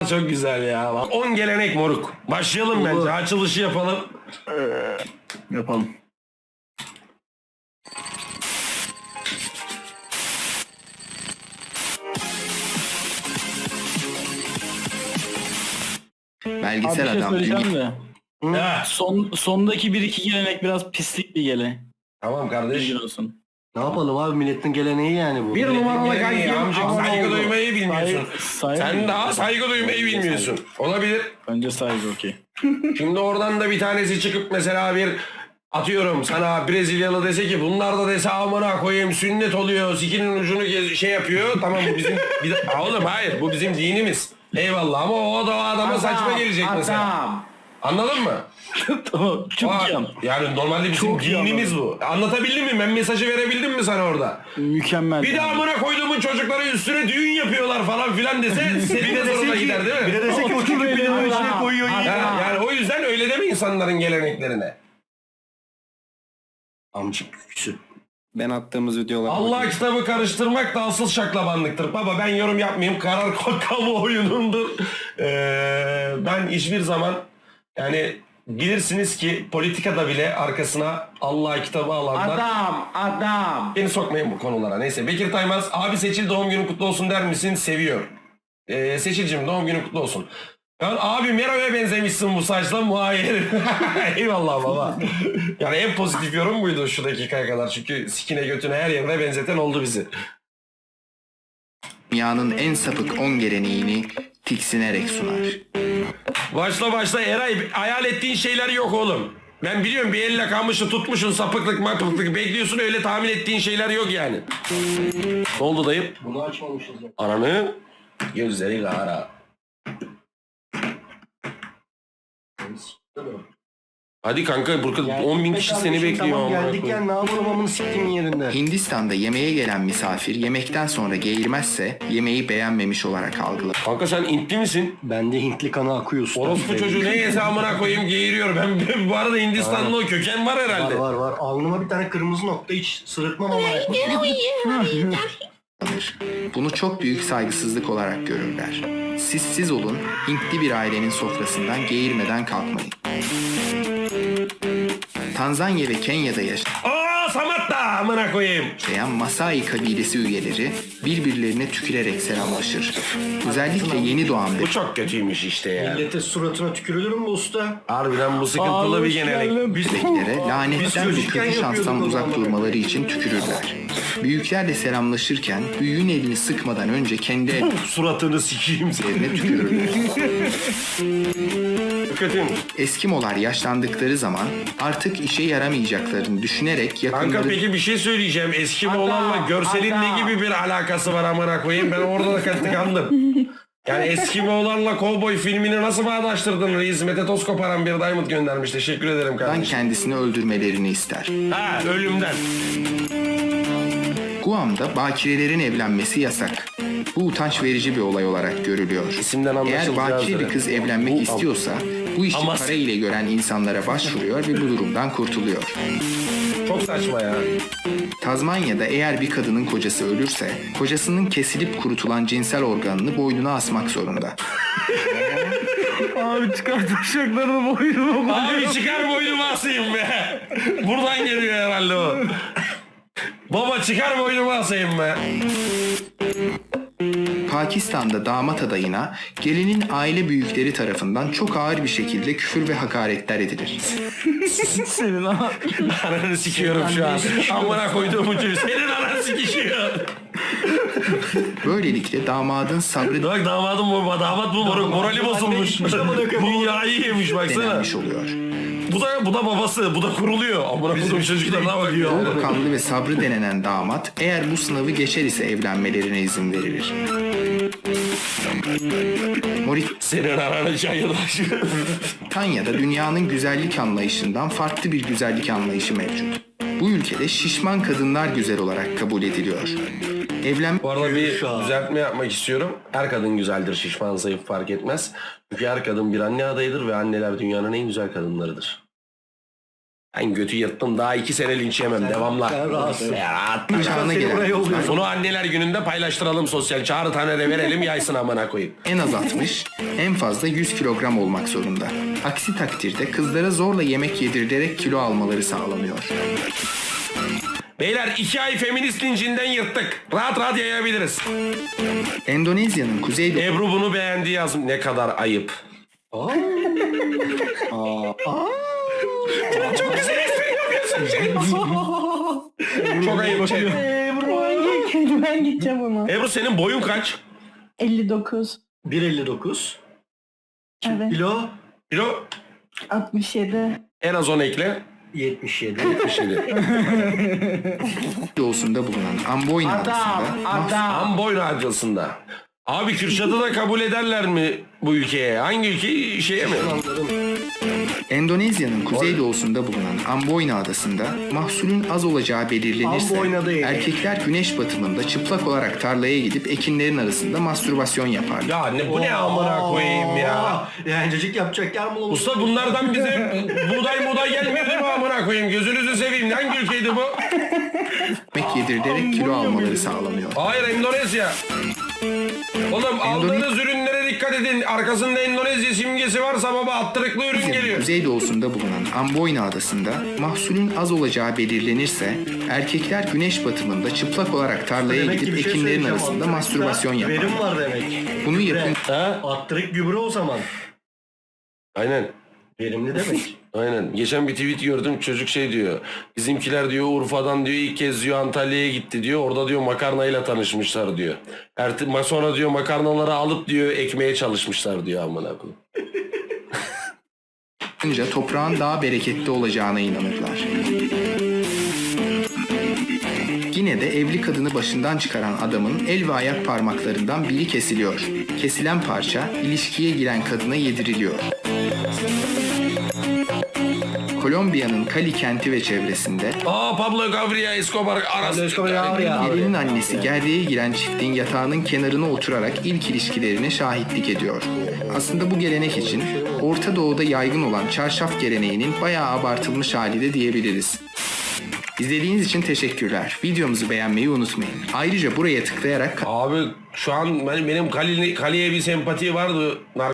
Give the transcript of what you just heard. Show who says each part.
Speaker 1: Vallahi çok güzel ya. 10 gelenek moruk. Başlayalım bence. Açılışı yapalım.
Speaker 2: Yapalım.
Speaker 3: Belgesel
Speaker 2: Abi bir şey
Speaker 3: adam.
Speaker 2: söyleyeceğim de.
Speaker 1: Ha,
Speaker 2: Sondaki bir iki gelenek biraz pislik bir gele.
Speaker 1: tamam kardeş.
Speaker 2: Bilgin olsun.
Speaker 4: Ne yapalım abi, milletin geleneği yani bu.
Speaker 1: Bir numaralı Geleneği kankim. amcık, Ama saygı oldu. duymayı bilmiyorsun.
Speaker 2: Saygı.
Speaker 1: Sen daha saygı duymayı bilmiyorsun. Olabilir.
Speaker 2: Önce saygı okey.
Speaker 1: Şimdi oradan da bir tanesi çıkıp mesela bir atıyorum sana Brezilyalı dese ki bunlar da dese amına koyayım sünnet oluyor sikinin ucunu şey yapıyor. Tamam bu bizim oğlum hayır bu bizim dinimiz. Eyvallah ama o da o adama saçma gelecek mesela. Anladın mı?
Speaker 2: Tamam. Çok
Speaker 1: Aa,
Speaker 2: iyi ama.
Speaker 1: yani normalde bizim
Speaker 2: Çok iyi
Speaker 1: dinimiz bu. Anlatabildim mi? Ben mesajı verebildim mi sana orada?
Speaker 2: Mükemmel.
Speaker 1: Bir de amına koyduğumun çocukları üstüne düğün yapıyorlar falan filan dese senin de zoruna gider değil mi?
Speaker 4: Bir de dese ki o çocuk pilavın içine koyuyor yiyor.
Speaker 1: Yani o yüzden öyle deme insanların geleneklerine.
Speaker 4: Amcık küsü.
Speaker 5: Ben attığımız videolar.
Speaker 1: Allah kitabı karıştırmak da asıl şaklabanlıktır. Baba ben yorum yapmayayım. Karar kamuoyunundur. Ben hiçbir zaman yani bilirsiniz ki politikada bile arkasına Allah kitabı alanlar.
Speaker 5: Adam.
Speaker 1: Beni sokmayın bu konulara. Neyse Bekir Taymaz abi Seçil doğum günün kutlu olsun der misin? Seviyor. Seçil'cim doğum günün kutlu olsun. Ben abi Mero'ya benzemişsin bu saçla muayyer. Eyvallah baba. Yani en pozitif yorum buydu şu dakikaya kadar. Çünkü sikine götüne her yerine benzeten oldu bizi.
Speaker 3: Dünyanın en sapık 10 geleneğini tiksinerek sunar.
Speaker 1: Başla Eray hayal ettiğin şeyler yok oğlum. Ben biliyorum bir elle kalmışsın tutmuşsun sapıklık mapıklık bekliyorsun öyle tahmin ettiğin şeyler yok yani. Ne oldu dayım?
Speaker 4: Bunu açmamışız ya.
Speaker 1: Ananı gözleri kara. Hadi kanka burada 10.000 kişi seni bekliyor.
Speaker 4: Tamam
Speaker 1: amına
Speaker 4: geldik
Speaker 1: koyayım.
Speaker 4: yani, ne yapalım amını siktiğin yerinde.
Speaker 3: Hindistan'da yemeğe gelen misafir yemekten sonra geğirmezse yemeği beğenmemiş olarak algılar.
Speaker 1: Kanka sen Hintli misin?
Speaker 4: Bende Hintli kanı akıyor usta.
Speaker 1: Orospu çocuğu ne yese amına koyayım geğiriyor. Ben bu arada Hindistanlı o köken var herhalde.
Speaker 4: Var. Alnıma bir tane kırmızı nokta, hiç sırıtmam ama.
Speaker 3: Bunu çok büyük saygısızlık olarak görürler. Siz olun, Hintli bir ailenin sofrasından geğirmeden kalkmayın. Tanzanya ve Kenya'da
Speaker 1: Aa Samat da amına koyayım.
Speaker 3: yaşayan Masai kabilesi üyeleri birbirlerine tükürerek selamlaşır. Özellikle yeni doğan
Speaker 1: Bu çok kötüymüş işte ya.
Speaker 4: Millete suratına tükürülür mü usta?
Speaker 1: Harbiden bu sıkıntılı bir gelenek.
Speaker 3: bebeklere lanetten ve kötü şanstan uzak durmaları için tükürürler. Büyüklerle selamlaşırken büyüğün elini sıkmadan önce kendi
Speaker 1: Suratını sikeyim seni.
Speaker 3: ellerine tükürürler.
Speaker 1: Kötüymüş.
Speaker 3: Eskimolar yaşlandıkları zaman artık işe yaramayacaklarını düşünerek
Speaker 1: Kanka
Speaker 3: yakınları
Speaker 1: peki bir şey söyleyeceğim. Eskimo olanla görselin ne gibi bir alakası var amına koyayım? Ben orada da tıkandım. Yani Eskimo'larla Cowboy filmini nasıl bağdaştırdın reis? Mete Toz koparan bir diamond göndermiş. Teşekkür ederim kardeşim.
Speaker 3: kendisini öldürmelerini ister.
Speaker 1: Ha ölümden.
Speaker 3: Guam'da bakirelerin evlenmesi yasak. Bu utanç verici bir olay olarak görülüyor.
Speaker 1: İsimden
Speaker 3: Eğer
Speaker 1: anlaşılacağı
Speaker 3: bakire bir
Speaker 1: üzere.
Speaker 3: kız evlenmek istiyorsa bu işi
Speaker 1: Ama-
Speaker 3: para ile gören insanlara başvuruyor ve bu durumdan kurtuluyor.
Speaker 1: Çok saçma ya.
Speaker 3: Tazmanya'da eğer bir kadının kocası ölürse kocasının kesilip kurutulan cinsel organını boynuna asmak zorunda.
Speaker 2: Abi çıkar taşaklarını boynuma.
Speaker 1: Abi çıkar boynumu asayım be. Buradan geliyor herhalde o. Baba çıkar boynumu asayım be.
Speaker 3: Pakistan'da damat adayına gelinin aile büyükleri tarafından çok ağır bir şekilde küfür ve hakaretler edilir.
Speaker 2: Senin ha.
Speaker 1: Ananı sikiyorum şu an. Amına koyduğumun çocuğu. Senin anan sikişiyor.
Speaker 3: Böylelikle damadın sabrı
Speaker 1: Bak damadım bu. Damat bu. Morali bozulmuş. Dünyayı yemiş baksana.
Speaker 3: denenmiş oluyor.
Speaker 1: Bu da babası. Bu da kuruluyor. Amına koyduğum çocuklarına bakıyor.
Speaker 3: Soğukkanlı ve sabrı denenen damat eğer bu sınavı geçer ise evlenmelerine izin verilir.
Speaker 1: Senin ananı çayırdaş.
Speaker 3: Moritanya'da dünyanın güzellik anlayışından farklı bir güzellik anlayışı mevcut. Bu ülkede şişman kadınlar güzel olarak kabul ediliyor.
Speaker 1: Bu arada bir düzeltme yapmak istiyorum. Her kadın güzeldir. Şişman zayıf fark etmez. Çünkü her kadın bir anne adayıdır ve anneler dünyanın en güzel kadınlarıdır. Ben götü yırttım daha 2 sene linç yemem devamla.
Speaker 4: Sen rahatsın.
Speaker 1: Ya rahat.
Speaker 3: Çağına
Speaker 4: Seni
Speaker 3: gelen
Speaker 4: buraya
Speaker 3: kızlar
Speaker 4: yolluyorum.
Speaker 1: Bunu anneler gününde paylaştıralım sosyal. Çağrı tane de verelim yaysın amına koyayım.
Speaker 3: en az 60, en fazla 100 kilogram olmak zorunda. Aksi takdirde kızlara zorla yemek yedirilerek kilo almaları sağlanıyor.
Speaker 1: Beyler 2 ay feminist lincinden yırttık. Rahat rahat yayabiliriz.
Speaker 3: Endonezya'nın kuzeydoğu
Speaker 1: Ebru bunu beğendi yazım. Ne kadar ayıp. Çok güzel espri yapıyorsun. Çok ayıp.
Speaker 6: Ben gideceğim ona.
Speaker 1: Ebru senin boyun kaç?
Speaker 6: 59.
Speaker 4: 1.59.
Speaker 6: Evet.
Speaker 4: Kilo
Speaker 1: Kilo
Speaker 6: 67.
Speaker 1: en az 10 ekle.
Speaker 4: 77.
Speaker 1: 77.
Speaker 3: doğusunda bulunan Amboyna adasında
Speaker 1: Amboy Radyosu'nda. Abi Kürşat'ı da kabul ederler mi bu ülkeye? Hangi ülke şeye mi?
Speaker 3: Endonezya'nın kuzeydoğusunda bulunan Amboyna adasında mahsulün az olacağı belirlenirse
Speaker 4: Amboyna değil.
Speaker 3: erkekler güneş batımında çıplak olarak tarlaya gidip ekinlerin arasında mastürbasyon yaparlar.
Speaker 1: Ya ne bu ne amına koyayım ya.
Speaker 4: Yani cacık yapacak yer bulalım.
Speaker 1: Usta bunlardan bize buğday gelmiyor değil mi amına koyayım? Gözünüzü seveyim. Hangi ülkeydi bu?
Speaker 3: Yemek yedirilerek kilo almaları sağlanıyor.
Speaker 1: Hayır Endonezya. Oğlum aldığınız ürünlere dikkat edin. Arkasında Endonezya simgesi varsa baba attırıklı ürün geliyor.
Speaker 3: Kuzeydoğusunda bulunan Amboyna adasında mahsulün az olacağı belirlenirse erkekler güneş batımında çıplak olarak tarlaya
Speaker 4: Demek ki
Speaker 3: gidip
Speaker 4: bir şey
Speaker 3: ekinlerin
Speaker 4: söyleyeceğim.
Speaker 3: arasında
Speaker 4: Attırıkta
Speaker 3: mastürbasyon yaparlar.
Speaker 4: Verim var demek.
Speaker 3: Bunu
Speaker 4: Gübre.
Speaker 3: yapın
Speaker 1: Ha?
Speaker 4: Attırık gübre o zaman.
Speaker 1: Aynen.
Speaker 4: Verimli demek.
Speaker 1: Aynen. Geçen bir tweet gördüm. Çocuk şey diyor. Bizimkiler diyor Urfa'dan diyor ilk kez diyor Antalya'ya gitti diyor. Orada diyor makarnayla tanışmışlar diyor. Sonra diyor makarnaları alıp diyor ekmeğe çalışmışlar diyor amına koyayım.
Speaker 3: yapınca toprağın daha bereketli olacağına inanırlar. Yine de evli kadını başından çıkaran adamın el ve ayak parmaklarından biri kesiliyor. Kesilen parça ilişkiye giren kadına yediriliyor. Kolombiya'nın Cali kenti ve çevresinde
Speaker 1: Pablo Gabriel Escobar arası.
Speaker 3: gelinin annesi gerdeğe giren çiftin yatağının kenarına oturarak ilk ilişkilerine şahitlik ediyor. Aslında bu gelenek için Orta Doğu'da yaygın olan çarşaf geleneğinin bayağı abartılmış hali de diyebiliriz. İzlediğiniz için teşekkürler. Videomuzu beğenmeyi unutmayın. Ayrıca buraya tıklayarak
Speaker 1: Abi şu an benim Kali'ye bir sempati vardı.